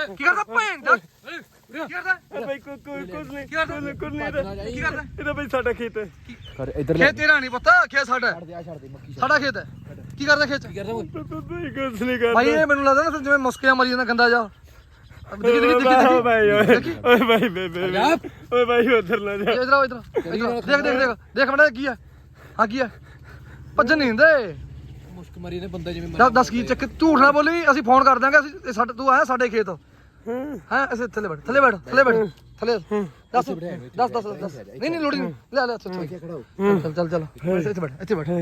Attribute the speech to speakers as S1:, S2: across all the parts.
S1: ਕੀ ਕਰਦਾ ਭੈਣ ਦਾ ਕੀ ਕਰਦਾ
S2: ਬਾਈ ਕੁਝ ਨਹੀਂ
S1: ਕੀ ਕਰਦਾ ਕੀ ਕਰਦਾ
S2: ਇਹਦਾ ਬਾਈ ਸਾਡਾ ਖੇਤ ਹੈ
S1: ਖੇਤ ਤੇਰਾ ਨਹੀਂ ਪਤਾ ਖੇਤ ਸਾਡਾ ਸਾਡਾ ਖੇਤ ਹੈ ਕੀ ਕਰਦਾ ਖੇਤ
S2: ਬਾਈ ਕੁਝ ਨਹੀਂ ਕਰਦਾ
S1: ਭਾਈ ਇਹ ਮੈਨੂੰ ਲੱਗਦਾ ਨਾ ਜਿਵੇਂ ਮੁਸਕਿਆਂ ਮਰੀ ਜਾਂਦਾ ਗੰਦਾ ਜਾ
S2: ਭਾਈ ਓਏ ਭਾਈ ਬੇਬੇ ਓਏ ਭਾਈ ਉਧਰ ਨਾ ਜਾ
S1: ਇਧਰ ਦੇਖ ਮੜਾ ਕੀ ਹੈ ਆ ਕੀ ਹੈ ਭੱਜਣ ਨਹੀਂ ਹੁੰਦੇ
S3: ਮੁਸ਼ਕ ਮਰੀ ਨੇ ਬੰਦਾ ਜਿਵੇਂ
S1: ਦੱਸ ਕੀ ਚੱਕ ਝੂਠ ਨਾ ਬੋਲੀ ਅਸੀਂ ਫੋਨ ਕਰ ਦਾਂਗੇ ਅਸੀਂ ਸਾਡੇ ਤੂੰ ਆਇਆ ਸਾਡੇ ਖੇਤ ਹਾਂ ਅਸੀਂ ਥੱਲੇ ਬੈਠ ਥੱਲੇ ਦੱਸ ਨਹੀਂ ਲੋੜੀ ਨਹੀਂ ਲੈ ਚੱਲ ਇੱਥੇ ਬੈਠ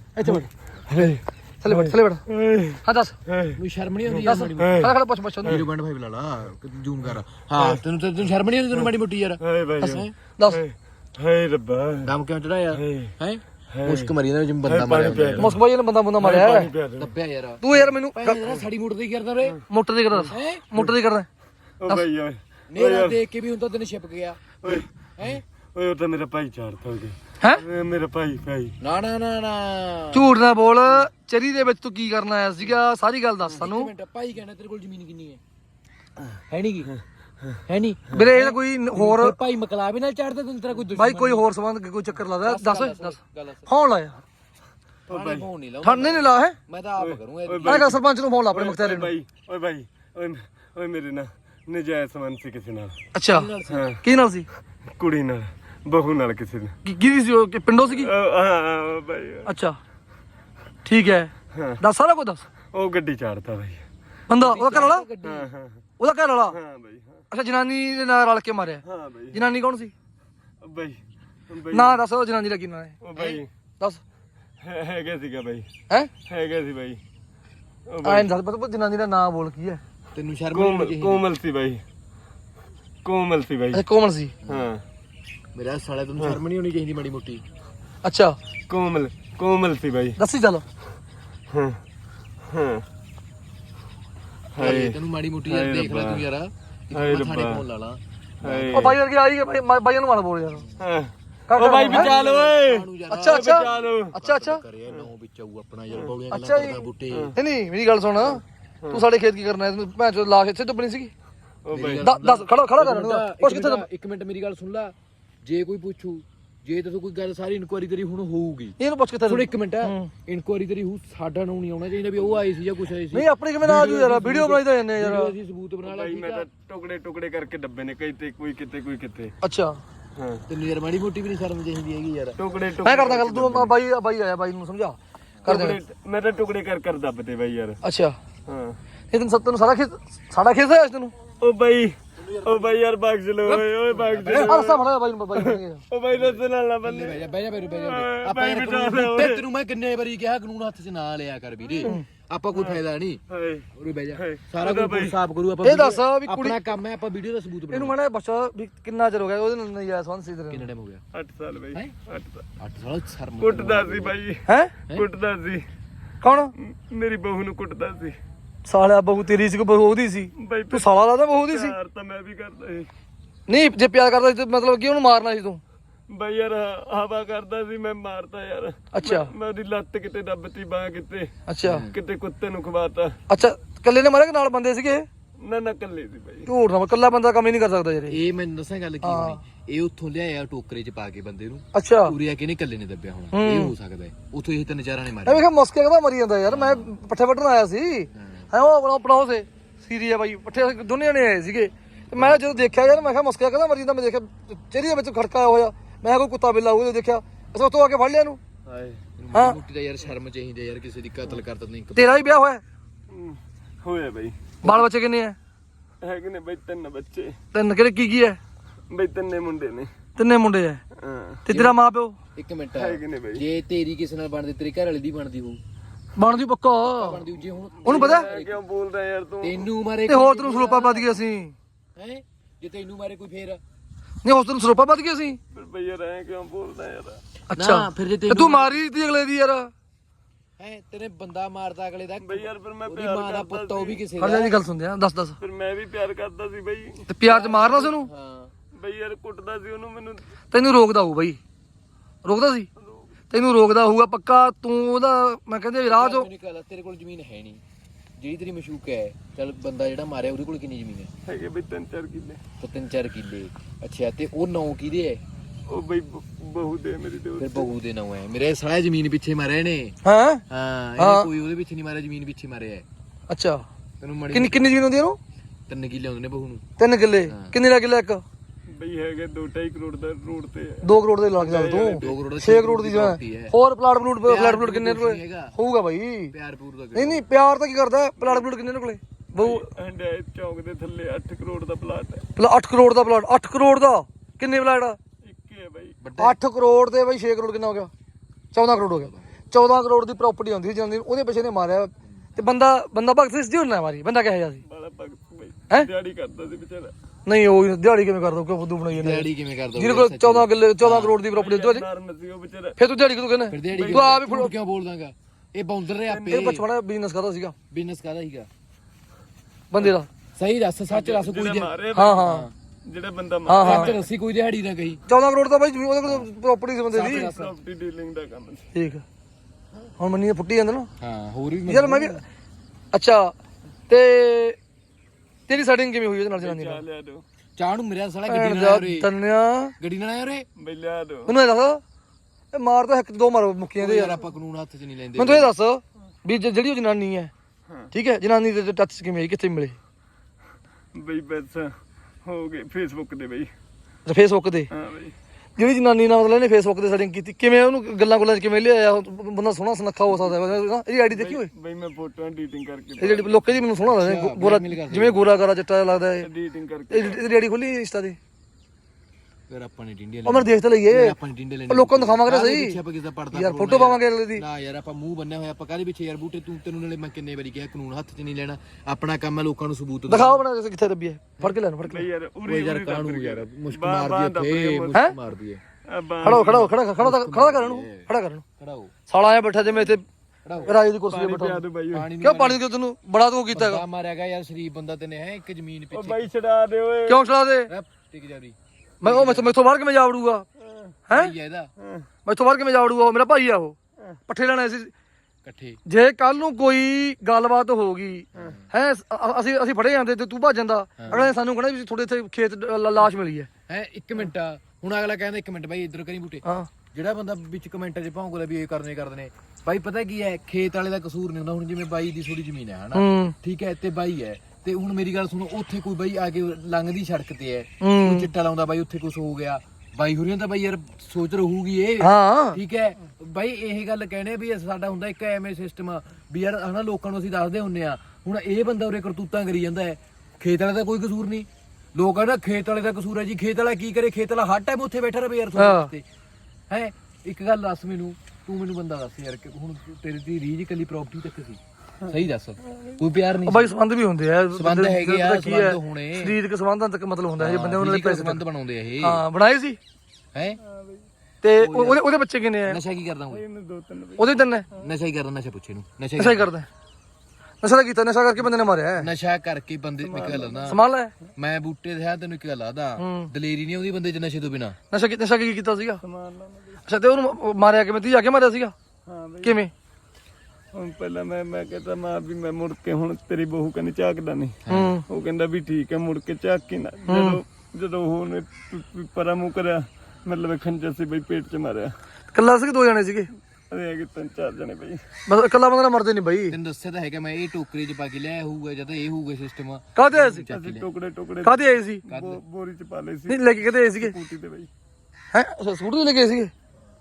S1: ਥੱਲੇ ਬੈਠ ਹਾਂ ਦੱਸ
S3: ਕੋਈ ਸ਼ਰਮ ਨਹੀਂ ਆਉਂਦੀ
S1: ਯਾਰ ਖੜਾ ਪੁੱਛ
S3: 0.5 ਲਾ ਲਾ ਜ਼ੂਮ ਕਰ ਹਾਂ ਤੈਨੂੰ ਸ਼ਰਮ ਨਹੀਂ ਆਉਂਦੀ ਤੈਨੂੰ ਮਾੜੀ ਮੋਟੀ ਯਾਰ
S2: ਹਾਏ ਭਾਈ
S1: ਦੱਸ
S2: ਹਾਏ ਰੱਬਾ
S3: ਦਮ ਕਿਉਂ ਚੜਾਇਆ ਹੈ ਮੁਸ਼ਕ ਮਰੀ ਨੇ ਜਿਵੇਂ ਬੰਦਾ ਮਾਰਿਆ
S1: ਮੁਸਕ ਭਾਈ ਨੇ ਬੰਦਾ ਮਾਰਿਆ
S3: ਦੱਬਿਆ ਯਾਰ
S1: ਤੂੰ ਯਾਰ ਮੈਨੂੰ
S3: ਸਾਡੀ ਮੋਟਰ ਦੀ ਕਰਦਾ ਰੇ
S1: ਮੋਟਰ ਦੀ ਕਰਦਾ ਮੋਟਰ ਦੀ ਕਰਦਾ
S2: ਓ ਭਾਈ ਓਏ
S3: ਨੇਰਾ ਦੇਖ ਕੇ ਵੀ ਹੁਣ ਤਾਂ ਤੈਨੂੰ ਛਿਪ ਗਿਆ
S2: ਓਏ
S3: ਹੈ
S2: ਓਏ ਉਹ ਤਾਂ ਮੇਰਾ ਭਾਈ ਚਾੜਤਾ ਹੋ
S1: ਹੈ
S2: ਗਿਆ ਮੇਰਾ ਭਾਈ
S3: ਨਾ
S1: ਝੂਠ ਨਾ ਬੋਲ ਚਰੀ ਦੇ ਵਿੱਚ ਤੂੰ ਕੀ ਕਰਨ ਆਇਆ ਸੀਗਾ ਸਾਰੀ ਗੱਲ ਦੱਸ ਸਾਨੂੰ
S3: ਮਿੰਟ ਭਾਈ ਕਹਿੰਦਾ ਤੇਰੇ ਕੋਲ ਜ਼ਮੀਨ ਕਿੰਨੀ ਹੈ ਨਹੀਂ ਕੀ ਹੈ ਨਹੀਂ
S1: ਵੀਰੇ ਇਹ ਕੋਈ ਹੋਰ
S3: ਭਾਈ ਮਕਲਾ ਵੀ ਨਾਲ ਚੜਦਾ ਤੈਨੂੰ ਤੇਰਾ ਕੋਈ ਦੁਸ਼ਮਣ
S1: ਭਾਈ ਕੋਈ ਹੋਰ ਸੰਬੰਧ ਕੋਈ ਚੱਕਰ ਲੱਗਦਾ ਦੱਸ ਫੋਨ ਲਾਇਆ
S3: ਫੋਨ ਨਹੀਂ ਲਾਉ
S1: ਠੰਡ ਨਹੀਂ ਲਾ ਹੈ
S3: ਮੈਂ ਤਾਂ ਆਪ ਕਰੂੰਗਾ
S1: ਮੈਂ ਕਹਾਂ ਸਰਪੰਚ ਨੂੰ ਫੋਨ ਲਾ ਆਪਣੇ ਮੁਖਤਾਰ ਨੂੰ
S2: ਓਏ ਭਾਈ ਓਏ ਮੇਰੇ ਨਾਲ ਨਜਾਇਜ਼ ਸੰਬੰਧ ਸੀ ਕਿਸੇ ਨਾਲ
S1: ਅੱਛਾ
S2: ਹਾਂ
S1: ਕੀ ਨਾਲ ਸੀ
S2: ਕੁੜੀ ਨਾਲ ਬਹੂ ਨਾਲ ਕਿਸੇ ਨਾਲ
S1: ਕੀ ਸੀ ਉਹ ਪਿੰਡੋਂ ਸੀਗੀ
S2: ਹਾਂ ਭਾਈ
S1: ਅੱਛਾ ਠੀਕ ਹੈ ਦੱਸ ਸਾਰਾ ਕੁਝ ਦੱਸ
S2: ਉਹ ਗੱਡੀ ਚਾੜਤਾ ਭਾਈ
S1: ਬੰਦਾ ਉਹਦਾ ਘਰ ਵਾਲਾ
S2: ਹਾਂ
S1: ਉਹਦਾ ਘਰ ਵਾਲਾ
S2: ਹਾਂ ਭਾਈ
S1: ਅੱਛਾ ਜਨਾਨੀ ਦੇ ਨਾਲ ਰਲ ਕੇ ਮਾਰਿਆ
S2: ਹਾਂ ਭਾਈ
S1: ਜਨਾਨੀ ਕੌਣ ਸੀ
S2: ਭਾਈ
S1: ਨਾ ਦੱਸ ਉਹ ਜਨਾਨੀ ਲੱਗੀ ਨਾ
S2: ਉਹ ਭਾਈ
S1: ਦੱਸ
S2: ਹੈਗਾ ਸੀਗਾ ਭਾਈ
S1: ਹੈ
S2: ਹੈਗਾ ਸੀ ਭਾਈ
S1: ਆਏ ਦੱਸ ਪਤਾ ਜਨਾਨੀ ਦਾ ਨਾਮ ਬੋਲ ਕੀ ਹੈ
S3: ਤੈਨੂੰ ਸ਼ਰਮ ਨਹੀਂ ਆਉਂਦੀ
S2: ਕੋਮਲ ਸੀ ਭਾਈ
S1: ਅੱਛਾ ਕੋਮਲ ਸੀ
S2: ਹਾਂ
S3: ਮੇਰਾ ਸਾਲੇ ਤੈਨੂੰ ਸ਼ਰਮ ਨਹੀਂ ਆਉਣੀ ਚਾਹੀਦੀ ਮਾੜੀ ਮੋਟੀ
S1: ਅੱਛਾ
S2: ਕੋਮਲ ਸੀ ਭਾਈ
S1: ਦੱਸੀ ਚੱਲ
S2: ਹਾਂ
S3: ਹਾਏ ਤੈਨੂੰ ਮਾੜੀ ਮੋਟੀ ਯਾਰ ਦੇਖ ਲੈ ਤੂੰ ਯਾਰ ਇੱਕ ਥਾਣੇ ਫੋਨ ਲਾ ਲਾ
S1: ਉਹ ਬਾਈ ਵਰਗੀ ਆਈ ਬਾਈ ਨੂੰ ਮਾਰ ਬੋਲ ਯਾਰ
S2: ਹਾਂ ਓ ਭਾਈ ਬਚਾ ਲਓ ਓਏ
S1: ਅੱਛਾ
S3: ਕਰੇ ਨੌ ਵਿੱਚ ਆਊ ਆਪਣਾ ਯਾਰ ਬੌਲੀਆਂ
S1: ਅੱਛਾ
S3: ਗੱਲਾਂ ਕਰਦਾ ਬੂਟੇ
S1: ਨਹੀਂ ਮੇਰੀ ਗੱਲ ਸੁਣ ਤੂੰ ਸਾਡੇ ਖੇਤ ਕੀ ਕਰਨਾ ਤੈਨੂੰ ਭੈਣ ਚੋ ਲਾ ਕੇ ਇੱਥੇ ਡੁੱਬਣੀ ਸੀਗੀ
S2: ਓ ਭਾਈ
S1: ਦੱਸ ਖੜਾ ਕਰ ਇਹਨੂੰ ਪੁੱਛ ਕਿੱਥੇ
S3: ਇੱਕ ਮਿੰਟ ਮੇਰੀ ਗੱਲ ਸੁਣ ਲੈ ਜੇ ਕੋਈ ਪੁੱਛੂ ਜੇ ਤੂੰ ਕੋਈ ਗੱਲ ਸਾਰੀ ਇਨਕੁਆਰੀ ਤੇਰੀ ਹੁਣ ਹੋਊਗੀ
S1: ਇਹਨੂੰ ਪੁੱਛ ਕਿੱਥੇ
S3: ਸੁਣ ਇੱਕ ਮਿੰਟ ਇਨਕੁਆਰੀ ਤੇਰੀ ਹੋ ਸਾਡਾ ਨੂੰ ਨਹੀਂ ਆਉਣਾ ਚਾਹੀਦਾ ਵੀ ਉਹ ਆਈ ਸੀ ਜਾਂ ਕੁਛ ਆਈ ਸੀ
S1: ਨਹੀਂ ਆਪਣੀ ਕਿਵੇਂ ਨਾ ਆਜੂ ਯਾਰ ਵੀਡੀਓ ਬਣਾਈ ਤਾਂ ਜਾਂਦੇ ਯਾਰ
S3: ਅਸੀਂ ਸਬੂਤ ਬਣਾ ਲਾ
S2: ਭਾਈ
S3: ਠੀਕ
S2: ਮੈਂ
S3: ਆ
S2: ਤਾਂ ਟੁਕੜੇ ਕਰਕੇ ਡੱਬੇ ਨੇ ਕਈ ਤੇ ਕੋਈ ਕਿਤੇ
S1: ਅੱਛਾ
S2: ਹਾਂ
S3: ਤੈਨੂੰ ਯਾਰ ਮਾੜੀ ਮੋਟੀ ਵੀ ਨਹੀਂ ਸ਼ਰਮ ਚਾਹੀਦੀ ਹੈਗੀ ਯਾਰ
S2: ਟੁਕੜੇ
S1: ਮੈਂ ਕਰਦਾ ਗੱਲ ਤੂੰ ਬਾਈ ਆਇਆ ਬਾਈ ਨੂੰ ਸਮਝਾ ਕਰ ਦੇ
S2: ਮੈਂ ਤਾਂ ਟੁਕੜੇ ਕਰ ਦੱਬਦੇ ਬਾਈ ਯਾਰ
S1: ਅੱਛਾ
S2: ਹਾਂ
S1: ਇਹ ਤੈਨੂੰ ਸਾਡਾ ਖੇਤ ਹੈ ਤੈਨੂੰ
S2: ਓ ਬਾਈ ਯਾਰ ਬਖਸ਼ ਲੋ ਓਏ ਬਖਸ਼ ਲੋ
S1: ਅਰਸਾ ਫੜਾ ਬਾਈ ਨੂੰ ਬਾਈ
S2: ਓ ਬਾਈ ਰਸਤੇ ਨਾਲ ਨਾ ਬੰਦੇ
S3: ਬਹਿ ਜਾ ਆਪਾਂ ਯਾਰ ਕਾਨੂੰਨ ਤੈਨੂੰ ਮੈਂ ਕਿੰਨੇ ਵਾਰੀ ਕਿਹਾ ਕਾਨੂੰਨ ਹੱਥ 'ਚ ਨਾ ਲਿਆ ਕਰ ਵੀਰੇ ਆਪਾਂ ਕੋਈ ਫਾਇਦਾ ਨਹੀਂ
S2: ਹਾਏ
S3: ਉਰੇ ਬਹਿ ਜਾ ਸਾਰਾ ਕੁਝ ਸਾਫ਼ ਕਰੂ ਆਪਾਂ
S1: ਇਹ ਦੱਸ ਵੀ ਕੁੜੀ
S3: ਆਪਣਾ ਕੰਮ ਹੈ ਆਪਾਂ ਵੀਡੀਓ ਦਾ ਸਬੂਤ ਬਣਾ
S1: ਇਹਨੂੰ ਮਾੜਾ ਬੱਚਾ ਵੀ ਕਿੰਨਾ ਚਿਰ ਹੋ ਗਿਆ ਉਹਦੇ ਨਾਲ ਨਹੀਂ ਆਇਆ ਸੰਸ ਸੀ ਤੇਰੇ
S3: ਕਿੰਨਾ ਟਾਈਮ ਹੋ ਗਿਆ
S2: 8 ਸਾਲ ਬਾਈ 8
S3: 8 ਸਾਲ ਸ਼ਰਮ
S2: ਕੁੱਟਦਾ ਸੀ ਬਾਈ
S1: ਹੈ
S2: ਕੁੱਟਦਾ ਸੀ
S1: ਕੌਣ
S2: ਮੇਰੀ ਬਹੂ ਨੂੰ ਕੁੱਟਦਾ ਸੀ
S1: ਸਾਲਿਆ ਬਹੂ ਤੇਰੀ ਸੀ ਕਿ ਬਹੂ ਉਹਦੀ ਸੀ
S2: ਬਾਈ
S1: ਤੂੰ ਸਾਲਾ ਲੱਗਦਾ ਬਹੂ ਦੀ ਸੀ
S2: ਪਿਆਰ ਤਾਂ ਮੈਂ ਵੀ ਕਰਦਾ ਸੀ
S1: ਨਹੀਂ ਜੇ ਪਿਆਰ ਕਰਦਾ ਸੀ ਤੇ ਮਤਲਬ ਕਿ ਉਹਨੂੰ ਮਾਰਨਾ ਸੀ ਤੂੰ
S2: ਬਾਈ ਯਾਰ ਹਵਾ ਕਰਦਾ ਸੀ ਮੈਂ ਮਾਰਦਾ ਯਾਰ
S1: ਅੱਛਾ
S2: ਮੈਂ ਉਹਦੀ ਲੱਤ ਕਿਤੇ ਦੱਬਤੀ ਬਾਹ
S1: ਅੱਛਾ
S2: ਕਿਤੇ ਕੁੱਤੇ ਨੂੰ ਖਵਾਤਾ
S1: ਅੱਛਾ ਇਕੱਲੇ ਨੇ ਮਾਰਿਆ ਕਿ ਨਾਲ ਬੰਦੇ ਸੀਗੇ
S2: ਨਾ ਕੱਲੇ ਸੀ ਬਾਈ
S1: ਝੂਠ ਨਾ ਇਕੱਲਾ ਬੰਦਾ ਕੰਮ ਹੀ ਨਹੀਂ ਕਰ ਸਕਦਾ ਯਾਰ
S3: ਇਹ ਮੈਨੂੰ ਦੱਸਾਂ ਗੱਲ ਕੀ ਹੋਣੀ ਇਹ ਉੱਥੋਂ ਲਿਆਇਆ ਟੋਕਰੇ 'ਚ ਪਾ ਕੇ ਬੰਦੇ ਨੂੰ
S1: ਅੱਛਾ
S3: ਪੂਰੀ ਆ ਕੇ ਨਹੀਂ ਇਕੱਲੇ ਨੇ ਦੱਬਿਆ ਹੁਣ ਇਹ ਹੋ ਸਕਦਾ ਹੈ ਉੱਥੋਂ ਇਹ ਤਿੰਨ ਚਾਰਾਂ ਨੇ
S1: ਇਹ
S3: ਮਾਰਿਆ
S1: ਵੇਖ ਮੁਸਕੇ ਕਹਿੰਦਾ ਮਰੀ ਜਾਂਦਾ ਯਾਰ ਮੈਂ ਪੱਠੇ ਵੱਢਣ ਆਇਆ ਸੀ ਹੈ ਉਹ ਆਪਣਾ ਉਹ ਸੇ ਸੀਰੀਆ ਬਾਈ ਪੱਠੇ ਦੋਨੇ ਜਣੇ ਆਏ ਸੀਗੇ ਤੇ ਮੈਂ ਜਦੋਂ ਦੇਖਿਆ ਯਾਰ ਮੈਂ ਕਿਹਾ ਮੁਸਕਿਆ ਕਹਿੰਦਾ ਮਰੀ ਜਾਂਦਾ ਮੈਂ ਦੇਖਿਆ ਚਿਹਰੇ ਦੇ ਵਿੱਚ ਖੜਕਾ ਹੋਇਆ ਮੈਂ ਕੋਈ ਕੁੱਤਾ ਬਿੱਲਾ ਉਹਦੇ ਦੇਖਿਆ ਅਸੀਂ ਉੱਥੋਂ ਆ ਕੇ ਫੜ ਲਿਆ ਇਹਨੂੰ
S2: ਹਾਏ
S1: ਹਾਂ
S3: ਮੁੱਟੀ ਦਾ ਯਾਰ ਸ਼ਰਮ ਚਾਹੀਦੀ ਯਾਰ ਕਿਸੇ ਦੀ ਕਤਲ ਕਰਤਾ ਨਹੀਂ
S1: ਤੇਰਾ ਹੀ ਵਿਆਹ ਹੋਇਆ
S2: ਹੋਇਆ ਬਾਈ
S1: ਬਾਲ ਬੱਚੇ ਕਿੰਨੇ ਆ
S2: ਹੈਗੇ ਨੇ ਬਾਈ 3 ਬੱਚੇ
S1: ਤਿੰਨ ਕਿਹੜੇ ਕੀ ਹੈ
S2: ਬਾਈ 3 ਮੁੰਡੇ ਨੇ
S1: ਤਿੰਨੇ ਮੁੰਡੇ ਆ
S2: ਹਾਂ
S1: ਤੇ ਤੇਰਾ ਮਾਂ ਪਿਓ
S3: ਇੱਕ ਮਿੰਟ
S2: ਹੈਗੇ ਨੇ ਬਾਈ
S3: ਜੇ ਤੇਰੀ ਕਿਸੇ ਨਾਲ ਬਣਦੀ ਤੇਰੀ ਘਰ ਵਾਲੀ ਦੀ ਬਣਦੀ ਹੋਊ
S1: ਬਣਦੀ ਪੱਕਾ
S3: ਬਣਦੀ ਜੇ ਹੁਣ
S1: ਉਹਨੂੰ ਪਤਾ
S2: ਕਿਉਂ ਬੋਲਦਾ ਯਾਰ ਤੂੰ
S3: ਤੈਨੂੰ ਮਾਰੇ
S1: ਤੇ ਹੋਰ ਤੈਨੂੰ ਸਰੋਪਾ ਵੱਧ ਗਿਆ ਸੀ
S3: ਹੈ ਜੇ ਤੈਨੂੰ ਮਾਰੇ ਕੋਈ ਫੇਰ
S1: ਨਹੀਂ ਉਸ ਤੈਨੂੰ ਸਰੋਪਾ ਵੱਧ ਗਿਆ ਸੀ
S2: ਫਿਰ ਬਈ ਯਾਰ ਐ ਕਿਉਂ ਬੋਲਦਾ ਯਾਰ
S1: ਅੱਛਾ
S3: ਫਿਰ ਜੇ
S1: ਤੇ ਤੂੰ ਮਾਰੀ ਤੀ ਅਗਲੇ ਦੀ ਯਾਰ
S3: ਹੈ ਤੇਰੇ ਬੰਦਾ ਮਾਰਦਾ ਅਗਲੇ ਦਾ
S2: ਬਈ ਯਾਰ ਫਿਰ ਮੈਂ
S3: ਉਹਦੀ
S2: ਪਿਆਰ
S3: ਮਾਂ ਦਾ
S2: ਕਰਦਾ
S3: ਪੁੱਤ ਉਹ ਵੀ ਕਿਸੇ
S1: ਹਰ
S3: ਦਾ
S1: ਦੀ ਗੱਲ ਸੁਣਦੇ ਆ ਦੱਸ
S2: ਫਿਰ ਮੈਂ ਵੀ ਪਿਆਰ ਕਰਦਾ ਸੀ ਬਈ
S1: ਤੇ ਪਿਆਰ ਚ ਮਾਰਨਾ ਸੀ ਉਹਨੂੰ
S3: ਹਾਂ
S2: ਬਈ ਯਾਰ ਕੁੱਟਦਾ ਸੀ ਉਹਨੂੰ ਮੈਨੂੰ
S1: ਤੈਨੂੰ ਰੋਕਦਾ ਹੋਊ ਬਈ ਰੋਕਦਾ ਸੀ ਤੈਨੂੰ ਰੋਕਦਾ ਹੋਊਗਾ ਪੱਕਾ ਤੂੰ ਉਹਦਾ ਮੈਂ ਕਹਿੰਦੇ ਰਾਹ ਚੋਂ
S3: ਮੈਨੂੰ ਕਹਿ ਤੇਰੇ ਕੋਲ ਜ਼ਮੀਨ ਹੈ ਨਹੀਂ ਜਿਹੜੀ ਤੇਰੀ ਮਸ਼ੂਕ ਹੈ ਚੱਲ ਬੰਦਾ ਜਿਹੜਾ ਮਾਰਿਆ ਉਹਦੇ ਕੋਲ ਕਿੰਨੀ ਜ਼ਮੀਨ ਹੈ?
S2: ਹੈਗੇ ਬਈ 3-4 ਕਿੱਲੇ।
S3: ਤਾਂ 3-4 ਕਿੱਲੇ। ਅੱਛਾ ਤੇ ਉਹ 9 ਕਿਹਦੇ ਹੈ?
S2: ਉਹ ਬਈ ਬਹੂ ਦੇ ਮੇਰੀ ਦੇ
S3: ਫਿਰ ਬਹੂ ਦੇ ਨਾਂ ਹੈ। ਮੇਰੇ ਸਾਲਾ ਜ਼ਮੀਨ ਪਿੱਛੇ ਮਾਰਿਆ ਇਹਨੇ।
S1: ਹਾਂ
S3: ਇਹਨੇ ਕੋਈ ਉਹਦੇ ਪਿੱਛੇ ਨਹੀਂ ਮਾਰਿਆ, ਜ਼ਮੀਨ ਪਿੱਛੇ ਮਾਰਿਆ ਹੈ।
S1: ਅੱਛਾ
S3: ਤੈਨੂੰ ਮੜੀ
S1: ਕਿੰਨੀ ਜ਼ਮੀਨ ਹੁੰਦੀ ਇਹਨੂੰ?
S3: 3 ਕਿੱਲੇ ਆਉਂਦੇ ਨੇ ਬਹੂ ਨੂੰ।
S1: 3 ਕਿੱਲੇ ਕਿੰਨੇ ਦਾ ਕਿੱਲਾ ਇੱਕ?
S2: ਬਈ ਹੈਗੇ 2.5 ਕਰੋੜ ਦਾ ਰੋਡ ਤੇ
S1: 2 ਕਰੋੜ ਦੇ ਲੱਗ ਜਾ ਤੂੰ
S3: 2 ਕਰੋੜ
S1: 6 ਕਰੋੜ ਦੀ ਜਗ੍ਹਾ ਹੋਰ ਪਲਾਟ ਕਿੰਨੇ ਰੁਪਏ ਹੋਊਗਾ ਬਾਈ?
S3: ਪਿਆਰ ਪੂਰ ਦਾ
S1: ਨਹੀਂ ਪਿਆਰ ਤਾਂ ਕੀ ਕਰਦਾ? ਪਲਾਟ ਕਿੰਨੇ ਕੋਲੇ ਬਹੂ?
S2: ਹੰਡਿਆਏ ਚੌਕ ਦੇ ਥੱਲੇ 8 ਕਰੋੜ ਦਾ ਪਲਾਟ ਹੈ।
S1: 8 ਕਰੋੜ ਦਾ ਪਲਾਟ? 8 ਕਰੋੜ ਦਾ ਕਿੰਨੇ ਪਲਾਟ?
S2: ਇੱਕ ਹੀ ਹੈ ਬਈ।
S1: 8 ਕਰੋੜ ਦੇ ਬਾਈ 6 ਕਰੋੜ ਕਿੰਨਾ ਹੋ ਗਿਆ? 14 ਕਰੋੜ ਹੋ ਗਿਆ। 14 ਕਰੋੜ ਦੀ ਪ੍ਰਾਪਰਟੀ ਹੁੰਦੀ ਸੀ ਜਾਂਦੀ, ਉਹਦੇ ਪਿੱਛੇ ਨੇ ਮਾਰਿਆ। ਤੇ ਬੰਦਾ ਭਗਤ ਸਿੰਘ ਜੀ ਨਾ ਮਾਰੀ, ਬੰਦਾ ਕਿਹੋ ਜਿਹਾ ਸੀ?
S2: ਬਾਲਾ ਭਗਤ ਬਈ
S1: ਹੈਂ?
S2: ਦਿਹਾੜੀ ਕਰਦਾ ਸੀ ਵਿਚਾਰਾ।
S1: ਨਹੀਂ ਉਹ ਦਿਹਾੜੀ ਕਿਵੇਂ ਕਰਦਾ? ਕਿਉਂ ਫੁੱਦੂ ਬਣਾਈ ਜਾਂਦਾ?
S3: ਦਿਹਾੜੀ ਕਿਵੇਂ ਕਰਦਾ?
S1: ਜਿਹਦੇ ਕੋਲ 14 ਕਿੱਲੇ 14 ਕਰੋੜ ਦੀ ਪ੍ਰਾਪਰਟੀ
S2: ਨਰਮ ਸੀ ਉਹ ਵਿਚਾਰਾ।
S1: ਫਿਰ ਤੂੰ ਦਿਹਾੜੀ ਕਿਉਂ ਕਹਿੰਦਾ?
S3: ਫਿਰ ਦਿਹਾੜੀ
S1: ਤੂੰ ਆਪ ਹੀ
S3: ਕਿਉਂ ਬੋਲਦਾਗਾ? ਇਹ ਬਾਉਂਦਰ ਰਿਹਾ ਆਪੇ।
S1: ਇਹ ਬਚਪਨਾ ਬਿਜ਼ਨਸ ਕਰਦਾ ਸੀਗਾ
S3: ਬਿਜ਼ਨਸ ਕਾਹਦਾ ਸੀਗਾ
S1: ਬੰਦੇ ਦਾ।
S3: ਸਹੀ ਦੱਸ, ਸੱਚ ਦੱਸ ਕੋਈ ਦੇ।
S1: ਹਾਂ
S2: ਜਿਹੜਾ ਬੰਦਾ
S1: ਹਾਂ
S3: ਸੱਚ ਦੱਸੀ, ਕੋਈ ਦਿਹਾੜੀ ਨਾ ਕਹੀ।
S1: 14 ਕਰੋੜ ਦਾ ਬਾਈ ਜ਼ਮੀਨ ਉਹਦੇ ਕੋਲ ਪ੍ਰਾਪਰਟੀ ਸੀ ਬੰਦੇ ਦੀ।
S2: ਪ੍ਰਾਪਰਟੀ ਡੀਲਿੰਗ ਦਾ ਕੰਮ ਸੀ।
S1: ਠੀਕ ਹੁਣ ਮੰਨੀ ਨੇ ਫੁੱਟੀ ਜਾਂਦਾ ਨਾ
S3: ਹਾਂ ਹੋਰ ਵੀ
S1: ਯਾਰ ਮੈਂ ਵੀ। ਅੱਛਾ ਤੇ ਤੇਰੀ ਸੈਟਿੰਗ ਕਿਵੇਂ ਹੋਈ ਉਹਦੇ ਨਾਲ ਜਨਾਨੀ ਨਾਲ?
S2: ਲਿਆ ਦੋ
S3: ਚਾਹ ਨੂੰ ਮੇਰਾ ਸਾਲਾ ਗੱਡੀ ਨਾਲ ਆਇਆ ਉਰੇ।
S1: ਤੰਨਿਆ
S3: ਗੱਡੀ ਨਾਲ ਆਇਆ ਉਰੇ।
S2: ਬਈ ਲਿਆ ਦੋ।
S1: ਮੈਨੂੰ ਇਹ ਦੱਸ, ਇਹ ਮਾਰ ਤਾਂ ਇੱਕ ਦੋ ਮਾਰੋ ਮੁੱਕੀਆਂ ਦੇ
S3: ਯਾਰ
S1: ਯਾਰ।
S3: ਆਪਾਂ ਕਾਨੂੰਨ ਹੱਥ 'ਚ ਨਹੀਂ ਲੈਂਦੇ।
S1: ਮੈਨੂੰ ਤੂੰ ਇਹ ਦੱਸ ਵੀ ਜਿਹੜੀ ਉਹ ਜਨਾਨੀ ਹੈ
S2: ਹਾਂ।
S1: ਠੀਕ ਹੈ, ਜਨਾਨੀ ਦੇ ਟੱਚ ਕਿਵੇਂ ਆਈ, ਕਿੱਥੇ ਮਿਲੇ?
S2: ਬਈ ਬਸ ਹੋ ਗਏ ਫੇਸਬੁੱਕ ਤੇ ਬਈ।
S1: ਫੇਸਬੁੱਕ ਤੇ?
S2: ਹਾਂ ਬਈ।
S1: ਜਿਹੜੀ ਜਨਾਨੀ ਨਾਲ ਮਤਲਬ ਇਹਨੇ ਫੇਸਬੁੱਕ ਤੇ ਸੈਟਿੰਗ ਕੀਤੀ, ਕਿਵੇਂ ਉਹਨੂੰ ਗੱਲਾਂ ਚ ਕਿਵੇਂ ਲਿਆਇਆ? ਬੰਦਾ ਸੋਹਣਾ ਸੁਨੱਖਾ ਹੋ ਸਕਦਾ ਹੈ। ਇਹਦੀ ਆਈਡੀ ਦੇਖੀ ਹੋਏ?
S2: ਬਈ ਮੈਂ ਫੋਟੋ ਐਡੀਟਿੰਗ ਕਰਕੇ
S1: ਇਹ ਜਿਹੜੀ ਲੋਕਾਂ ਦੀ ਮੈਨੂੰ ਸੋਹਣਾ ਲੱਗਦਾ ਗੋਰਾ, ਜਿਵੇਂ ਗੋਰਾ ਗਾਰਾ ਚਿੱਟਾ ਜਿਹਾ ਲੱਗਦਾ ਹੈ।
S2: ਐਡੀਟਿੰਗ ਕਰਕੇ
S1: ਇਹਦੀ ਆਈਡੀ ਖੋਲੀ ਇੰਸਟਾ ਤੇ?
S3: ਫਿਰ ਆਪਾਂ ਨੇ ਟਿੰਡੇ
S1: ਉਹ ਮੈਂ ਦੇਖ ਤਾਂ ਲਈਏ,
S3: ਆਪਾਂ ਨੇ ਟਿੰਡੇ ਲੈਣੇ।
S1: ਲੋਕਾਂ ਨੂੰ ਦਿਖਾਵਾਂਗੇ ਸਹੀ
S3: ਪਿੱਛੇ ਆਪਾਂ ਕਿਸ ਦਾ ਪੜਦਾ
S1: ਯਾਰ, ਫੋਟੋ ਪਾਵਾਂਗੇ ਅਗਲੇ ਦੀ।
S3: ਨਾ ਯਾਰ ਆਪਾਂ ਮੂੰਹ ਬੰਨਿਆ ਹੋਇਆ, ਆਪਾਂ ਕਾਹਦੇ ਪਿੱਛੇ ਯਾਰ? ਬੂਟੇ ਤੈਨੂੰ ਨਾਲੇ ਮੈਂ ਕਿੰਨੇ ਵਾਰੀ ਕਿਹਾ ਕਾਨੂੰਨ ਹੱਥ 'ਚ ਨਹੀਂ ਲੈਣਾ, ਆਪਣਾ ਕੰਮ ਹੈ ਲੋਕਾਂ ਨੂੰ ਸਬੂਤ
S1: ਦਿਖਾਓ ਬਣਾ ਕਿੱਥੇ ਦੱਬੀ ਹੈ, ਫੜ ਕੇ ਲੈਣ ਫੜ ਕੇ।
S2: ਬਈ ਯਾਰ
S3: ਉਹ
S2: ਉਰੀ
S3: ਯਾਰ ਕਾਹਨੂੰ ਯਾਰ ਮੁਸ਼ਕ ਮਾਰਦੀ
S1: ਹੈਂ?
S3: ਉੱਥੇ, ਮੁਸ਼ਕ ਮਾਰਦੀ ਹੈ।
S1: ਖੜਾ ਕਰਨ ਨੂੰ, ਖੜਾ ਕਰਨ ਨੂੰ।
S3: ਖੜਾ ਹੋ,
S1: ਸਾਲਾ ਆਇਆ ਬੈਠਾ ਜਿਵੇਂ ਇੱਥੇ ਰਾਜੇ ਦੀ ਕੁਰਸੀ ਤੇ ਬੈਠਾ।
S2: ਪਿਆ ਦੋ ਬਾਈ।
S3: ਪਾਣੀ
S1: ਕਿਉਂ ਪਾਣੀ ਕਿਉਂ ਤੈਨੂੰ ਬੜਾ ਤੂੰ ਕੀਤਾ ਹੈਗਾ?
S3: ਮਾਰਿਆ ਗਿਆ ਯਾਰ, ਸ਼ਰੀਫ ਬੰਦਾ ਤੈਨੇ ਹੈ ਇੱਕ ਜ਼ਮੀਨ
S2: ਉਹ
S3: ਪਿੱਛੇ।
S2: ਬਾਈ ਛਡਾ ਦੇ ਓਏ।
S1: ਕਿਉਂ ਛੜਾ ਦੇ?
S3: ਟਿਕ ਜਾ ਰਹੀ
S1: ਮੈਂ ਉਹ ਮੈਥੋਂ ਬਾਹਰ ਕਿਵੇਂ ਜਾ ਵੜੂਗਾ? ਹੈ
S3: ਭਾਈ ਆ ਇਹਦਾ
S1: ਮੈਥੋਂ ਬਾਹਰ ਕਿਵੇਂ ਜਾ ਵੜੂਗਾ? ਉਹ ਮੇਰਾ ਭਾਈ ਆ, ਉਹ ਪੱਠੇ ਲੈਣਾ ਸੀ।
S3: ਇਕੱਠੇ
S1: ਜੇ ਕੱਲ ਨੂੰ ਕੋਈ ਗੱਲਬਾਤ ਹੋ ਗਈ ਹੈ, ਅਸੀਂ ਫੜੇ ਜਾਂਦੇ ਤੇ ਤੂੰ ਭੱਜ ਜਾਂਦਾ, ਅਗਲੇ ਨੇ ਸਾਨੂੰ ਕਹਿਣਾ ਵੀ ਤੁਹਾਡੇ ਇੱਥੇ ਖੇਤ ਲਾਸ਼ ਮਿਲੀ ਹੈ।
S3: ਹੈ 1 ਮਿੰਟ ਹੁਣ ਅਗਲਾ ਕਹਿੰਦਾ 1 ਮਿੰਟ ਬਾਈ ਇੱਧਰ ਕਰੀ ਬੂਟੇ।
S1: ਹਾਂ
S3: ਜਿਹੜਾ ਬੰਦਾ ਵਿੱਚ ਕਮੈਂਟਾਂ 'ਚ ਭਾਉਂਦਾ ਵੀ ਇਹ ਕਰਦੇ ਬਾਈ, ਪਤਾ ਕੀ ਹੈ, ਖੇਤ ਵਾਲੇ ਦਾ ਕਸੂਰ ਨਹੀਂ ਹੁੰਦਾ। ਹੁਣ ਜਿਵੇਂ ਬਾਈ ਦੀ ਥੋੜੀ ਜ਼ਮੀਨ ਹੈ ਹਨਾ, ਠੀਕ ਹੈ, ਤੇ ਬਾਈ ਹੈ, ਤੇ ਹੁਣ ਮੇਰੀ ਗੱਲ ਸੁਣੋ, ਉੱਥੇ ਕੋਈ ਬਾਈ ਆ ਕੇ ਲੰਘਦੀ ਸੜਕ ਤੇ ਹੈ, ਕੋਈ ਚਿੱਟਾ ਲਾਉਂਦਾ ਬਾਈ, ਉੱਥੇ ਕੁਝ ਹੋ ਗਿਆ ਬਾਈ ਹੋਰੀਆਂ ਤਾਂ ਬਾਈ ਯਾਰ ਸੋਚ ਰਹੂਗੀ ਇਹ।
S1: ਹਾਂ
S3: ਠੀਕ ਹੈ ਬਾਈ, ਇਹ ਗੱਲ ਕਹਿਣੇ ਵੀ ਸਾਡਾ ਹੁੰਦਾ ਇੱਕ ਐਵੇਂ ਸਿਸਟਮ ਵੀ ਯਾਰ ਹਨਾ, ਲੋਕਾਂ ਨੂੰ ਅਸੀਂ ਦੱਸਦੇ ਹੁੰਨੇ ਆ। ਹੁਣ ਇਹ ਬੰਦਾ ਉਰੇ ਕਰਤੂਤਾਂ ਕਰੀ ਜਾਂਦਾ ਹੈ, ਖੇਤ ਵਾਲੇ ਦਾ ਕੋਈ ਕਸੂਰ ਨਹੀਂ। ਲੋਕ ਕਹਿੰਦਾ ਖੇਤ ਵਾਲੇ ਦਾ ਕਸੂਰ ਹੈ ਜੀ, ਖੇਤ ਵਾਲਾ ਕੀ ਕਰੇ? ਖੇਤ ਵਾਲਾ ਹਰ ਟਾਈਮ ਉੱਥੇ ਬੈਠਾ ਰਹੇ ਯਾਰ ਤੁਹਾਡੇ ਵਾਸਤੇ। ਹੈ ਇੱਕ ਗੱਲ ਦੱਸ ਮੈਨੂੰ, ਤੂੰ ਮੈਨੂੰ ਬੰਦਾ ਦੱਸ ਯਾਰ, ਕਿ ਹੁਣ ਤੇਰੀ ਦੀ ਰੀਜ ਇਕੱਲੀ ਪ੍ਰਾਪਰਟੀ ਤੱਕ ਸੀ? ਸਹੀ ਦੱਸ, ਕੋਈ ਪਿਆਰ ਨਹੀਂ?
S1: ਬਾਈ ਸੰਬੰਧ ਵੀ ਹੁੰਦੇ ਆ,
S3: ਸੰਬੰਧ ਹੈਗੇ ਆ, ਸੰਬੰਧ ਹੋਣੇ
S1: ਸਰੀਰਕ ਸੰਬੰਧਾਂ ਤੱਕ ਮਤਲਬ ਹੁੰਦਾ ਹੈ, ਬੰਦੇ ਉਹਨਾਂ ਦੇ ਪੈਸੇ
S3: ਸੰਬੰਧ ਬਣਾਉਂਦੇ ਆ ਇਹ।
S1: ਹਾਂ ਬਣਾਏ ਸੀ।
S3: ਹੈ
S1: ਤੇ ਉਹਦੇ ਬੱਚੇ ਕਿੰਨੇ ਆ?
S3: ਨਸ਼ਾ ਕੀ ਕਰਦਾ ਉਹ?
S1: ਉਹਦੇ ਤਿੰਨ ਹੈ।
S3: ਨਸ਼ਾ ਹੀ ਕਰਦਾ, ਨਸ਼ਾ ਪੁੱਛੇ ਨੂੰ।
S1: ਨਸ਼ਾ ਹੀ ਕਰਦਾ, ਨਸ਼ਾ ਤਾਂ ਕੀਤਾ, ਨਸ਼ਾ ਕਰਕੇ ਬੰਦੇ ਨੇ ਮਾਰਿਆ ਹੈ।
S3: ਨਸ਼ਾ ਕਰਕੇ ਬੰਦੇ ਇੱਕ ਗੱਲ ਨਾ
S1: ਸੰਭਾਲ ਲੈ।
S3: ਮੈਂ ਬੂਟੇ ਦੇ ਤੈਨੂੰ ਇੱਕ ਗੱਲ ਆਦਾ, ਦਲੇਰੀ ਨਹੀਂ ਆਉਂਦੀ ਬੰਦੇ 'ਚ ਨਸ਼ੇ ਤੋਂ ਬਿਨਾ।
S1: ਨਸ਼ਾ ਕੀ ਕੀਤਾ ਸੀਗਾ? ਅੱਛਾ ਤੇ ਉਹਨੂੰ ਮਾਰਿਆ ਕਿਵੇਂ? ਤੀ ਆ ਕੇ ਮਾਰਿਆ ਸੀਗਾ?
S2: ਹਾਂ ਬਈ।
S1: ਕਿਵੇਂ?
S2: ਹੁਣ ਪਹਿਲਾਂ ਮੈਂ ਕਹਿੰਦਾ ਮਾਂ ਵੀ ਮੈਂ ਮੁੜ ਕੇ ਹੁਣ ਤੇਰੀ ਬਹੂ ਕਹਿੰਦੀ ਝਾਕਦਾ ਨਹੀਂ। ਉਹ ਕਹਿੰਦਾ ਵੀ ਠੀਕ ਹੈ, ਮੁੜ ਕੇ ਝਾਕੀ ਨਾ। ਜਦੋਂ ਉਹਨੇ ਪਰਾ ਮੂੰਹ ਕਰਿਆ, ਮਤਲਬ ਖੰਜਰ ਸੀ ਬਈ ਪੇਟ 'ਚ ਮਾਰਿਆ।
S1: ਕੱਲਾ ਸੀ ਕਿ ਦੋ ਜਣੇ ਸੀਗੇ?
S2: ਅਰੇ ਹੈਗੇ 3-4 ਜਣੇ ਬਈ।
S1: ਮਤਲਬ ਕੱਲਾ ਬੰਦਾ ਮਰਦੇ ਨਹੀਂ ਬਾਈ।
S3: ਤੈਨੂੰ ਦੱਸਿਆ ਤਾਂ ਹੈਗਾ ਮੈਂ, ਇਹ ਟੋਕਰੀ 'ਚ ਪਾ ਕੇ ਲਿਆਇਆ ਹੋਊਗਾ ਜਦ ਇਹ ਹੋਊਗਾ ਸਿਸਟਮ।
S1: ਕਾਹਦੇ ਆਏ ਸੀ?
S2: ਅਸੀਂ ਟੁਕੜੇ
S1: ਕਾਹਦੇ ਆਏ ਸੀ?
S2: ਬੋਰੀ 'ਚ ਪਾ ਲਏ ਸੀ।
S1: ਨਹੀਂ ਲੈ ਕੇ ਕਿਤੇ ਆਏ ਸੀਗੇ?
S2: ਸਕੂਟੀ ਤੇ ਬਈ।
S1: ਹੈ ਸਕੂਟੀ ਤੇ ਲੈ ਕੇ ਆਏ ਸੀਗੇ?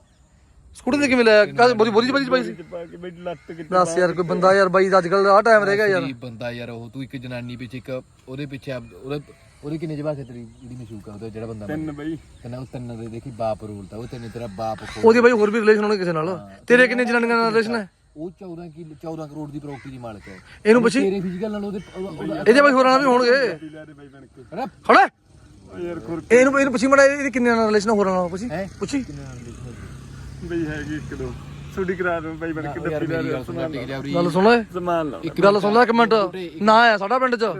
S1: ਸਕੂਟੀ ਤੇ ਕਿਵੇਂ ਲਿਆ? ਕਾਹਦੇ ਬੋਰੀ ਚ ਪਾਈ ਸੀ?
S2: ਪਾ ਕੇ ਬਈ ਲੱਤ ਕੇ
S1: ਦੱਸ ਯਾਰ, ਕੋਈ ਬੰਦਾ ਯਾਰ ਬਾਈ ਅੱਜ ਕੱਲ ਆਹ ਟਾਈਮ ਰਹਿ ਗਿਆ ਯਾਰ।
S3: ਬੰਦਾ ਯਾਰ, ਉਹ ਤੂੰ ਇੱਕ ਜਨਾਨੀ ਪਿੱਛੇ, ਇੱਕ ਉਹਦੇ ਪਿੱਛੇ, ਉਹਦੇ ਕਿੰਨੇ ਜਵਾਕ ਹੈ ਤੇਰੀ ਜਿਹੜੀ ਮਸ਼ੂਕ ਆ? ਉਹਦਾ ਜਿਹੜਾ ਬੰਦਾ
S2: 3 ਬਈ।
S3: ਉਹ 3 ਦੇ ਦੇਖੀ ਬਾਪ ਰੋਲਦਾ, ਉਹ ਤੇਰਾ ਬਾਪ
S1: ਉਹਦੀ ਬਾਈ ਹੋਰ ਵੀ ਰਿਲੇਸ਼ਨ ਹੋਣੇ ਕਿਸੇ ਨਾਲ? ਤੇਰੇ ਕਿੰਨੇ ਜਨਾਨੀਆਂ ਨਾਲ ਰਿਲੇਸ਼ਨ ਹੈ?
S3: ਉਹ 14 ਕਰੋੜ ਦੀ ਪ੍ਰਾਪਰਟੀ ਦੀ ਮਾਲਕ ਹੈ।
S1: ਇਹਨੂੰ ਪੁੱਛੀ,
S3: ਤੇਰੇ ਫਿਜ਼ੀਕਲ ਨਾਲ ਉਹਦੇ
S1: ਇਹਦੇ ਬਾਈ ਹੋਰਾਂ ਨਾਲ ਵੀ ਹੋਣਗੇ। ਖੜਾ
S2: ਯਾਰ ਖੁਰ
S1: ਇਹਨੂੰ ਪੁੱਛੀ ਮੜਾ, ਇਹਦੇ ਕਿੰਨੇ ਨਾਲ ਰਿਲੇਸ਼ਨ ਹੋਰਾਂ ਨਾਲ? ਪੁੱਛੀ
S2: ਬਈ ਹੈਗੀ 1-2 ਛੁੱਟੀ ਕਰਾ ਦੋ ਬਈ ਬਣ ਕੇ ਡੱਬੀ ਲੈ ਰਿਹਾ।
S1: ਗੱਲ ਸੁਣ ਲੈ,
S2: ਸਮਾਨ ਲਾ
S1: ਗੱਲ ਸੁਣ ਲੈ ਇੱਕ ਮਿੰਟ। ਨਾ ਆਇਆ ਸਾਡਾ ਪਿੰਡ ਚ।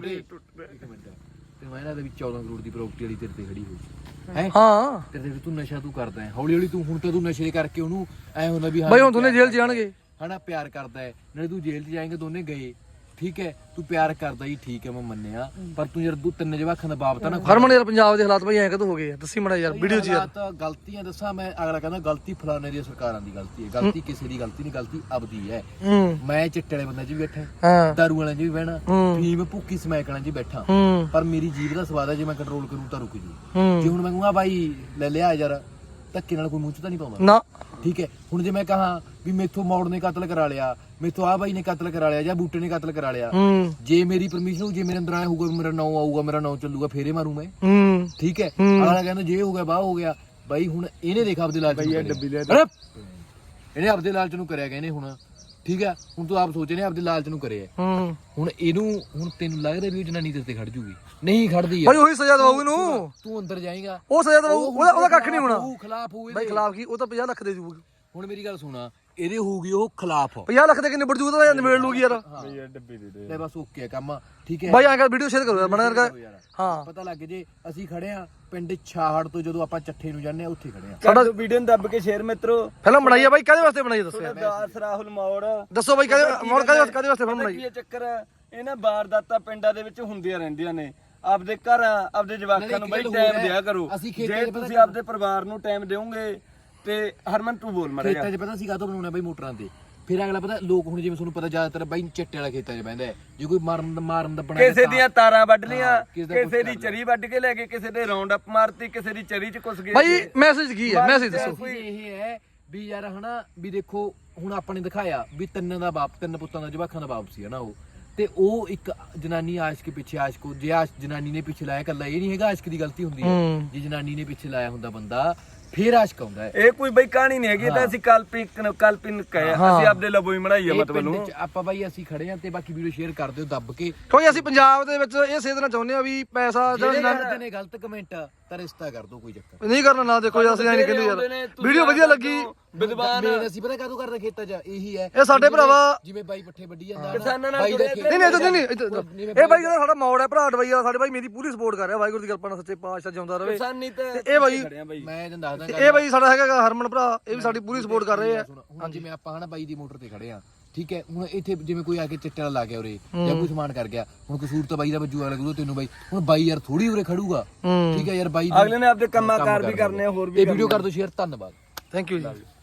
S3: ਤੈਨੂੰ ਇਹਨਾਂ ਦੇ ਵਿੱਚ 14 ਕਰੋੜ ਦੀ ਪ੍ਰਾਪਰਟੀ ਵਾਲੀ ਤੇਰੇ ਤੇ ਖੜੀ ਹੋਈ ਹੈ।
S1: ਹਾਂ
S3: ਤੇਰੇ ਤੇ ਤੂੰ ਨਸ਼ਾ ਤੂੰ ਕਰਦਾ ਹੈ ਹੌਲੀ ਹੌਲੀ। ਤੂੰ ਹੁਣ ਤਾਂ ਤੂੰ ਨਸ਼ੇ ਕਰਕੇ ਉਹਨੂੰ ਐ ਹੁੰਦਾ ਵੀ
S1: ਬਾਈ ਹੁਣ ਦੋਨੇ ਜੇਲ੍ਹ ਚ ਜਾਣਗੇ
S3: ਹਨਾ, ਪਿਆਰ ਕਰਦਾ ਹੈ ਨਾਲੇ ਤੂੰ ਜੇਲ੍ਹ 'ਚ ਜਾਏਂਗੇ, ਦੋਨੇ ਗਏ ਠੀਕ ਹੈ ਤੂੰ ਪਿਆਰ ਕਰਦਾ ਜੀ ਠੀਕ ਹੈ ਮੈਂ ਮੰਨਿਆ ਪਰ ਤੂੰ ਯਾਰ ਤੂੰ ਤਿੰਨ ਜਵਾਖਾਂ ਦਾ ਬਾਪ ਤਾਂ ਨਾ
S1: ਹਰਮਨ ਯਾਰ ਪੰਜਾਬ ਦੇ ਹਾਲਾਤ ਬਈ ਐਂ ਕਦੋਂ ਹੋ ਗਏ ਆ? ਦੱਸੀ ਮੜਾ ਯਾਰ ਵੀਡੀਓ 'ਚ ਯਾਰ।
S3: ਤਾਂ ਗਲਤੀਆਂ ਦੱਸਾਂ ਮੈਂ ਅਗਲਾ ਕਹਿੰਦਾ ਗਲਤੀ ਫਲਾਣੇ ਦੀ ਸਰਕਾਰਾਂ ਦੀ ਗਲਤੀ ਹੈ ਗਲਤੀ ਕਿਸੇ ਦੀ ਗਲਤੀ ਨਹੀਂ ਗਲਤੀ ਆਪਦੀ ਹੈ ਮੈਂ ਚਿੱਟੇ ਵਾਲੇ ਬੰਦੇ 'ਚ ਵੀ ਬੈਠਾ
S1: ਹਾਂ
S3: ਦਾਰੂ ਵਾਲਿਆਂ 'ਚ ਵੀ ਬਹਿਣਾ ਫੀਮ ਭੁੱਕੀ ਸਮੈਕ ਵਾਲਿਆਂ 'ਚ ਵੀ ਬੈਠਾ ਪਰ ਮੇਰੀ ਜੀਭ ਦਾ ਸਵਾਦ ਹੈ ਜੇ ਮੈਂ ਕੰਟਰੋਲ ਕਰੂੰ ਤਾਂ ਰੁਕ ਜੂ ਜੇ ਹੁਣ ਮੈਂ ਕਹੂੰਗਾ ਬਾਈ ਲੈ ਲਿਆ ਯਾਰ ਧੱਕੇ ਨਾਲ ਕੋਈ ਮੂੰਹ 'ਚ ਤਾਂ ਨਹੀਂ ਪਾਉਂਦਾ
S1: ਨਾ
S3: ਠੀਕ ਹੈ ਹੁਣ ਜੇ ਮੈਂ ਕਹਾਂ ਵੀ ਮੇਥੋਂ ਮੌੜ ਨੇ ਕਤਲ ਕਰਾ ਲਿਆ ਮੇਥੋਂ ਆ ਬਾਈ ਨੇ ਕਤਲ ਕਰਾ ਲਿਆ ਜਾਂ ਬੂਟੇ ਨੇ ਕਤਲ ਕਰਾ ਲਿਆ ਜੇ ਮੇਰੀ ਪਰਮਿਸ਼ਨ ਹੋ ਜੇ ਮੇਰੇ ਅੰਦਰ ਆਇਆ ਹੋਊਗਾ ਮੇਰਾ ਨਾਂ ਆਊਗਾ ਮੇਰਾ ਨਾਂ ਚੱਲੂਗਾ ਫੇਰੇ ਮਾਰੂ ਮੈਂ ਠੀਕ ਹੈ ਅਗਲਾ ਕਹਿੰਦਾ ਜੇ ਹੋ ਗਿਆ ਬਾਹ ਹੋ ਗਿਆ ਬਾਈ ਹੁਣ ਇਹਨੇ ਦੇਖਾ ਆਪਦੇ ਲਾਲਚ ਨੂੰ ਇਹਨੇ ਆਪਦੇ ਲਾਲਚ ਨੂੰ ਕਰਿਆ ਇਹਨੇ ਹੁਣ ਠੀਕ ਹੈ ਹੁਣ ਤੂੰ ਆਪ ਸੋਚ ਇਹਨੇ ਆਪਦੇ ਲਾਲਚ ਨੂੰ ਕਰਿਆ ਹੁਣ ਇਹਨੂੰ ਹੁਣ ਤੈਨੂੰ ਲੱਗਦਾ ਵੀ ਜਨਾਨੀ ਤੇਰੇ ਤੇ ਖੜ ਜੂਗੀ ਨਹੀਂ ਖੜਦੀ
S1: ਭਾਈ ਉਹੀ ਸਜ਼ਾ ਦਵਾਉ ਇਹਨੂੰ
S3: ਤੂੰ ਅੰਦਰ ਜਾਏਗਾ
S1: ਉਹ ਸਜ਼ਾ ਦਵਾਉ ਉਹਦਾ ਕੱਖ ਨਹੀਂ ਹੋਣਾ
S3: ਤੂੰ ਖਿਲਾਫ ਹੋਏ
S1: ਭਾਈ ਖਿਲਾਫ ਕੀ ਉਹ ਤਾਂ 50 ਲੱਖ ਦੇ ਜੂਗੀ
S3: ਹੁਣ ਮੇਰੀ ਗੱਲ ਸੁਣਾ ਇਹਦੇ ਹੋਊਗੀ ਉਹ ਖਿਲਾਫ
S1: 50 ਲੱਖ ਦੇ ਕਿੰਨੇ ਨਿਬੜ ਜੂਗਾ ਤਾਂ ਨਿਬੇੜ ਲੂਗੀ ਯਾਰ
S2: ਭਈਆ ਡੱਬੀ ਦੇ ਦੇ
S3: ਲੈ ਬਸ ਓਕੇ ਕੰਮ ਠੀਕ ਹੈ
S1: ਭਾਈ ਆਂ ਕਰ ਵੀਡੀਓ ਸ਼ੇਅਰ ਕਰੋ ਯਾਰ ਮਨਾ ਕਰਕੇ ਹਾਂ
S3: ਪਤਾ ਲੱਗ ਜੇ ਅਸੀਂ ਖੜੇ ਆ ਪਿੰਡ ਛਾਹੜ ਤੋਂ ਜਦੋਂ ਆਪਾਂ ਚੱਠੇ ਨੂੰ ਜਾਂਦੇ ਆ ਉੱਥੇ ਖੜੇ ਆ
S2: ਸਾਡਾ ਵੀਡੀਓ ਨੂੰ ਦੱਬ ਕੇ ਸ਼ੇਅਰ ਮਿੱਤਰੋ
S1: ਫਿਲਮ ਬਣਾਈ ਆ ਬਾਈ ਕਾਹਦੇ ਵਾਸਤੇ ਬਣਾਈ ਦੱਸੋ ਯਾਰ
S2: ਦਾਸ ਰਾਹੁਲ ਮੌੜ
S1: ਦੱਸੋ ਬਾਈ ਕਾਹਦੇ ਵਾਸਤੇ ਫਿਲਮ ਬਣਾਈ
S2: ਕੀ ਚੱਕਰ ਹੈ? ਇਹ ਨਾ ਵਾਰਦਾਤਾਂ ਪਿੰਡਾਂ ਦੇ ਵਿੱਚ ਹੁੰਦੀਆਂ ਰਹਿੰਦੀਆਂ ਨੇ ਆਪਦੇ ਘਰ ਆਪਦੇ ਜਵਾਕਾਂ ਨੂੰ ਬਈ ਟਾਈਮ ਦਿਆ ਕਰੋ ਜੇ ਤੁਸੀਂ ਆਪਦੇ ਪਰਿਵਾਰ ਨੂੰ ਟਾਈਮ ਦਿਓਗੇ ਤੇ ਹਰਮਨ ਤੂੰ ਬੋਲ ਮਰਿਆ
S3: ਖੇਤਾਂ 'ਚ ਪਤਾ ਸੀ ਕਾਹਤੋਂ ਬਣਾਉਣਾ ਬਾਈ ਮੋਟਰਾਂ ਤੇ ਫਿਰ ਅਗਲਾ ਪਤਾ ਲੋਕ ਹੁਣ ਜਿਵੇਂ ਤੁਹਾਨੂੰ ਪਤਾ ਜ਼ਿਆਦਾਤਰ ਬਾਈ ਚਿੱਟੇ ਵਾਲਾ ਖੇਤਾਂ 'ਚ ਬਹਿੰਦਾ ਜੇ ਕੋਈ ਮਾਰਨ ਦਾ ਬਣਾ
S2: ਕਿਸੇ ਦੀਆਂ ਤਾਰਾਂ ਵੱਢ ਲੀਆਂ ਕਿਸੇ ਦੀ ਚਰੀ ਵੱਢ ਕੇ ਲੈ ਗਏ ਕਿਸੇ ਦੇ ਰਾਉਂਡ ਅਪ ਮਾਰਤੀ ਕਿਸੇ ਦੀ ਚਰੀ 'ਚ ਕੁਸ ਗਏ
S1: ਬਾਈ ਮੈਸੇਜ ਕੀ ਹੈ ਮੈਸੇਜ ਦੱਸੋ
S3: ਇਹ ਹੈ ਵੀ ਯਾਰ ਹਨਾ ਵੀ ਦੇਖੋ ਹੁਣ ਆਪਾਂ ਨੇ ਦਿਖਾਇਆ ਵੀ ਤਿੰਨ ਪੁੱਤਾਂ ਦਾ ਜਵਾਖਾਂ ਦਾ ਬਾਪ ਸੀ ਹਨਾ ਉਹ ਤੇ ਉਹ ਇੱਕ ਜਨਾਨੀ ਆਸ਼ਕ ਪਿੱਛੇ ਆਸ਼ਕ ਜੇ ਜਨਾਨੀ ਨੇ ਪਿੱਛੇ ਲਾਇਆ ਕੱਲਾ ਇਹ ਨਹੀਂ ਹੈਗਾ ਆਸ਼ਕ ਦੀ ਗਲਤੀ ਹੁੰਦੀ ਹੈ ਜੇ ਜਨਾਨੀ ਨੇ ਪਿੱਛੇ ਲਾਇਆ ਹੁੰਦਾ ਬੰਦਾ ਫੇਰ ਆਸ਼ਕ ਆਉਂਦਾ ਹੈ
S2: ਇਹ ਕੋਈ ਬਈ ਕਹਾਣੀ ਨਹੀਂ ਹੈਗੀ ਤਾਂ ਅਸੀਂ ਕਲਪਿਨ ਕਹੇ ਅਸੀਂ ਆਪਦੇ ਲਬੋਈ ਬਣਾਈ ਆ ਮਤਲਬ ਨੂੰ
S3: ਆਪਾਂ ਬਾਈ ਅਸੀਂ ਖੜੇ ਆ ਤੇ ਬਾਕੀ ਵੀਡੀਓ ਸ਼ੇਅਰ ਕਰ ਦਿਓ ਦੱਬ ਕੇ
S1: ਕਿਉਂਕਿ ਅਸੀਂ ਪੰਜਾਬ ਦੇ ਵਿੱਚ ਇਹ ਸੇਧਣਾ ਚਾਹੁੰਦੇ ਆ ਵੀ ਪੈਸਾ ਜਿਹੜਾ
S3: ਜਿਹੜੇ ਨੇ ਗਲਤ ਕਮੈਂਟ ਤਾਂ ਰਿਸ਼ਤਾ ਕਰ ਦੋ ਕੋਈ ਚੱਕਰ
S1: ਨਹੀਂ ਕਰਨਾ ਨਾ ਦੇਖੋ ਅਸੀਂ ਐਂ ਨਹੀਂ ਕਹਿੰਦੇ ਯਾਰ ਵੀਡੀਓ ਵਧੀਆ ਲੱਗੀ
S2: ਵਿਦਵਾਨ
S3: ਅਸੀਂ ਪਤਾ ਕਾਹਦੋਂ ਕਰਦੇ ਖੇਤਾਂ 'ਚ ਇਹੀ ਹੈ
S1: ਇਹ ਸਾਡੇ ਭਰਾਵਾ
S3: ਜਿਵੇਂ ਬਾਈ ਪੱਠੇ ਵੱਢੀ ਜਾਂਦਾ
S2: ਕਿਸਾਨਾਂ ਨਾਲ
S3: ਬਾਈ ਦਾ
S1: ਨਹੀਂ ਇਹ ਬਾਈ ਜਿਹੜਾ ਸਾਡਾ ਮੌੜ ਹੈ ਭਰਾ ਡਵਈਆ ਸਾਡੇ ਬਾਈ ਮੇਰੀ ਪੂਰੀ ਸਪੋਰਟ ਕਰ ਰਿਹਾ ਵਾਹਿਗੁਰੂ ਦੀ ਕਿਰਪਾ ਨਾਲ ਸੱਚੇ ਪਾਤਸ਼ਾਹ ਜਿਉਂਦਾ ਰਹੇ
S2: ਕਿਸਾਨੀ ਤੇ
S1: ਇਹ ਬਾਈ
S3: ਮੈਂ ਤੁਹਾਨੂੰ ਦੱਸਦਾ
S1: ਇਹ ਬਾਈ ਸਾਡਾ ਹੈਗਾ ਹਰਮਨ ਭਰਾ ਇਹ ਵੀ ਸਾਡੀ ਪੂਰੀ ਸਪੋਰਟ ਕਰ ਰਹੇ ਆ
S3: ਹੁਣ ਜਿਵੇਂ ਆਪਾਂ ਹਨਾ ਬਾਈ ਦੀ ਮੋਟਰ ਤੇ ਖੜੇ ਆ ਠੀਕ ਹੈ ਹੁਣ ਇੱਥੇ ਜਿਵੇਂ ਕੋਈ ਆ ਕੇ ਚਿੱਟੇ ਵਾਲਾ ਲਾ ਗਿਆ ਉਰੇ ਜਾਂ ਕੋਈ ਸਮਾਨ ਕਰ ਗਿਆ ਹੁਣ ਕਸੂਰ ਤਾਂ ਬਾਈ ਦਾ ਵੱਜੂ ਅਗਲਾ ਕਰੂ ਤੈਨੂੰ ਬਾਈ ਹੁਣ ਬਾਈ ਯਾਰ ਥੋੜੀ ਉਰੇ ਖੜੂਗਾ ਠੀਕ ਹੈ ਯਾਰ ਬਾਈ
S2: ਅਗਲੇ ਨੇ ਆਪਦੇ ਕੰਮਾਂ ਕਾਰ ਵੀ ਕਰਨੇ ਆ ਹੋਰ ਵੀ
S3: ਇਹ ਵੀਡੀਓ ਕਰ ਦਿਓ ਸ਼ੇਅਰ ਧੰਨਵਾਦ
S1: ਥੈਂਕ ਯੂ ਜੀ